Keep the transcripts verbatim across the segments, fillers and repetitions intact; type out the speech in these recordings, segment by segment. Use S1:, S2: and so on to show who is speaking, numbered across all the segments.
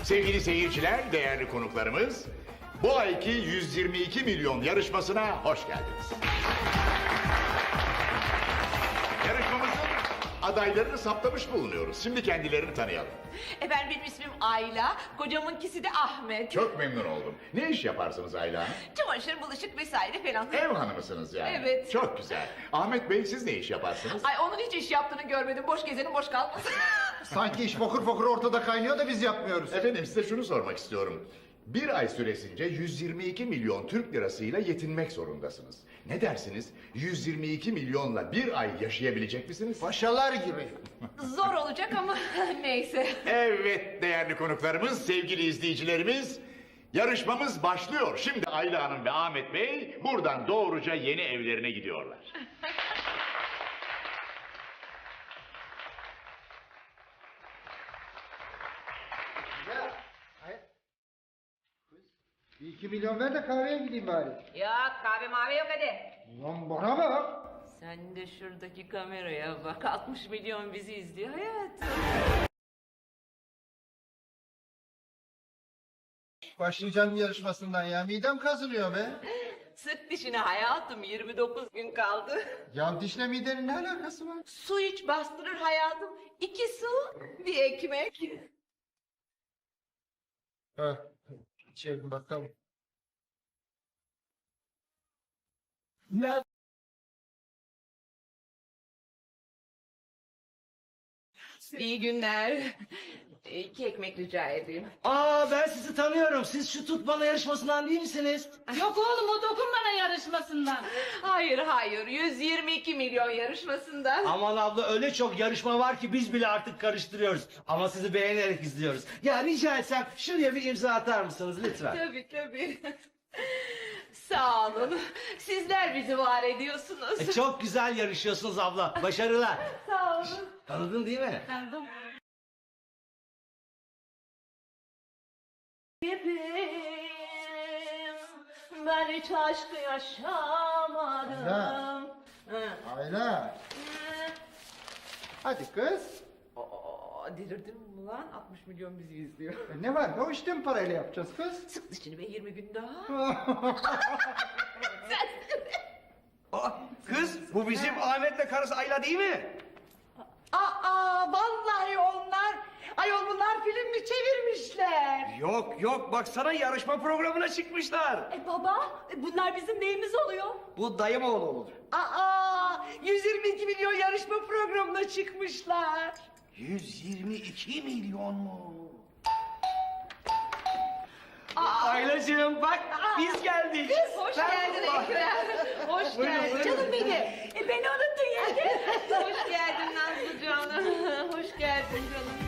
S1: Sevgili seyirciler, değerli konuklarımız, bu ayki yüz yirmi iki milyon yarışmasına hoş geldiniz. Yarışmamızın adaylarını saptamış bulunuyoruz. Şimdi kendilerini tanıyalım.
S2: Efendim benim ismim Ayla, kocamınkisi de Ahmet.
S1: Çok memnun oldum. Ne iş yaparsınız Ayla Hanım?
S2: Çamaşır, bulaşık vesaire falan.
S1: Ev hanımısınız yani.
S2: Evet.
S1: Çok güzel. Ahmet Bey, siz ne iş yaparsınız?
S2: Ay onun hiç iş yaptığını görmedim. Boş gezenin boş kalmasın.
S3: Sanki iş fokur fokur ortada kaynıyor da biz yapmıyoruz.
S1: Efendim, size şunu sormak istiyorum. Bir ay süresince yüz yirmi iki milyon Türk lirasıyla yetinmek zorundasınız. Ne dersiniz? yüz yirmi iki milyonla bir ay yaşayabilecek misiniz?
S3: Paşalar gibi.
S2: Zor olacak ama neyse.
S1: Evet değerli konuklarımız, sevgili izleyicilerimiz, yarışmamız başlıyor. Şimdi Ayla Hanım ve Ahmet Bey buradan doğruca yeni evlerine gidiyorlar.
S3: Ya, ay- Kız, bir iki milyon ver de kahveye gideyim bari.
S2: Yok kahve mavi yok hadi.
S3: Lan bana bak.
S2: Sen de şuradaki kameraya bak. altmış milyon bizi izliyor hayatım.
S3: Başlayacağım yarışmasından ya. Midem kazınıyor be.
S2: Sık dişine hayatım. yirmi dokuz gün kaldı.
S3: Ya dişle midenin ne alakası var?
S2: Su iç bastırır hayatım. İki su, bir ekmek.
S3: Ha, içelim bakalım.
S2: İyi günler. İki ekmek rica edeyim.
S4: Aa ben sizi tanıyorum. Siz şu tutmalı yarışmasından değil misiniz?
S5: Yok oğlum o dokunmana yarışmasından.
S2: Hayır hayır yüz yirmi iki milyon yarışmasından.
S4: Aman abla öyle çok yarışma var ki biz bile artık karıştırıyoruz. Ama sizi beğenerek izliyoruz. Ya rica etsem şuraya bir imza atar mısınız lütfen?
S2: Tabii tabii. Sağ olun. Sizler bizi var ediyorsunuz.
S4: E, çok güzel yarışıyorsunuz abla. Başarılar.
S2: Sağ olun.
S4: Tanıdın değil mi?
S5: Tanıdım.
S2: Ben hiç aşkı yaşamadım.
S3: Ayla.
S2: Hı.
S3: Ayla. Hadi kız.
S2: Aa, delirdin mi lan? altmış milyon bizi izliyor.
S3: E ne var? O işte mi parayla yapacağız kız?
S2: Sık dişini be yirmi gün daha.
S4: Aa, kız bu bizim Ahmet'le karısı Ayla değil mi?
S2: Aa, vallahi onlar. Ayol bunlar film mi çevirmişler?
S4: Yok yok baksana yarışma programına çıkmışlar.
S2: E baba, e, bunlar bizim neyimiz oluyor?
S4: Bu dayım oğlu olur.
S2: Aa, yüz yirmi iki milyon yarışma programına çıkmışlar.
S4: yüz yirmi iki milyon mu? Aylacığım bak biz geldik.
S2: Hoş
S4: Ben-
S2: geldin Ekrem. Hoş geldin. Canım benim. E, beni unuttun yenge. Hoş geldin Nazlı canım. Hoş geldin canım.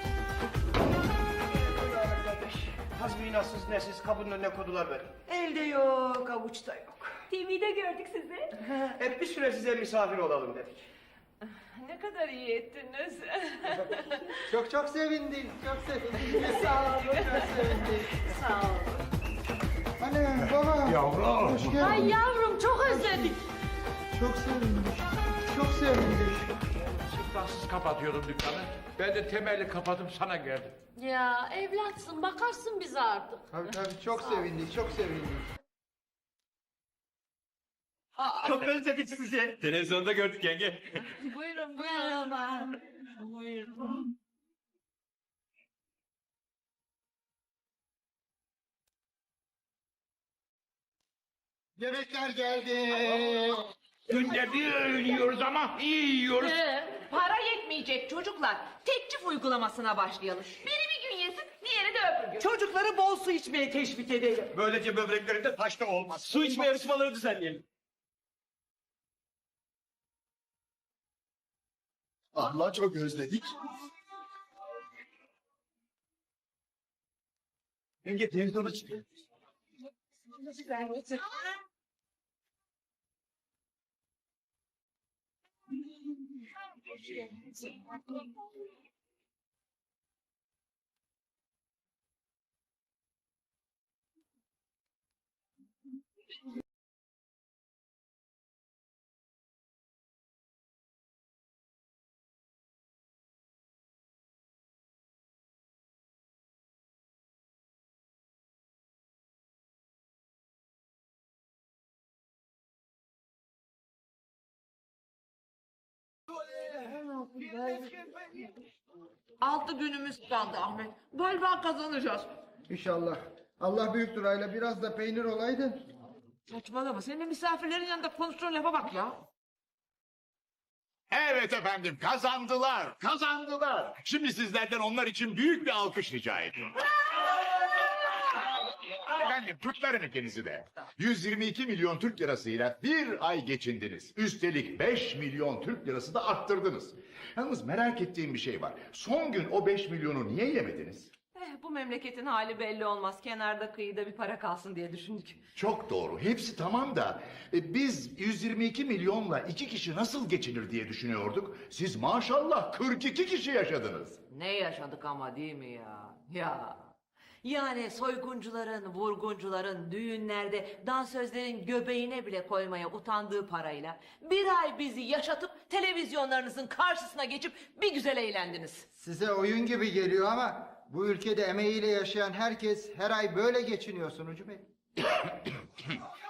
S4: Tazminatsız nesiz kapının önüne kodular beni.
S2: Elde yok, avuçta yok.
S5: T V'de gördük sizi.
S4: Hep bir süre size misafir olalım dedik.
S2: Ne kadar iyi ettiniz.
S3: Çok çok sevindik. Çok sevindik. Sağ olun. Çok sevindik.
S2: Sağ olun.
S3: Anne, baba.
S1: Yavrum.
S3: Hoş geldin.
S5: Ay yavrum çok özledik.
S3: Çok sevindik. Çok sevindik.
S6: Siz kapatıyordum dükkanı. Ben de temelli kapatıp sana geldim.
S5: Ya evlatsın bakarsın bize artık.
S3: Tabii tabii çok sevindik. Çok sevindik.
S4: Çok özledik sizi. Televizyonda gördük yenge.
S5: Buyurun buyurun. Buyurun.
S3: Yemekler geldi.
S6: Günde bir öğün yiyoruz ama iyi yiyoruz.
S2: Ee, para yetmeyecek çocuklar. Tekçif uygulamasına başlayalım. Biri bir gün yesin, diğeri de öbür gün.
S4: Çocukları bol su içmeye teşvik edelim. Böylece böbreklerinde taşta olmaz. Su içme yarışmaları düzenleyelim.
S3: Allah çok özledik.
S4: Yenge televizyona çıkıyor.
S2: Altı günümüz kaldı Ahmet. Galiba kazanacağız.
S3: İnşallah. Allah büyüktür Ayla. Biraz da peynir olaydı.
S2: Saçmalama. Senin de misafirlerin yanında konuştuğun lafa bak ya.
S1: Evet efendim, kazandılar, kazandılar. Şimdi sizlerden onlar için büyük bir alkış rica ediyorum. Efendim, kutlarım ikinizi de. yüz yirmi iki milyon Türk lirasıyla bir ay geçindiniz. Üstelik beş milyon Türk lirası da arttırdınız. Yalnız merak ettiğim bir şey var. Son gün o beş milyonu niye yemediniz?
S2: Eh, bu memleketin hali belli olmaz. Kenarda kıyıda bir para kalsın diye düşündük.
S1: Çok doğru. Hepsi tamam da e, biz yüz yirmi iki milyonla iki kişi nasıl geçinir diye düşünüyorduk. Siz maşallah kırk iki kişi yaşadınız.
S2: Ne yaşadık ama değil mi ya? Ya. Yani soyguncuların, vurguncuların düğünlerde dansözlerin göbeğine bile koymaya utandığı parayla bir ay bizi yaşatıp televizyonlarınızın karşısına geçip bir güzel eğlendiniz.
S3: Size oyun gibi geliyor ama bu ülkede emeğiyle yaşayan herkes her ay böyle geçiniyor Sunucu Bey.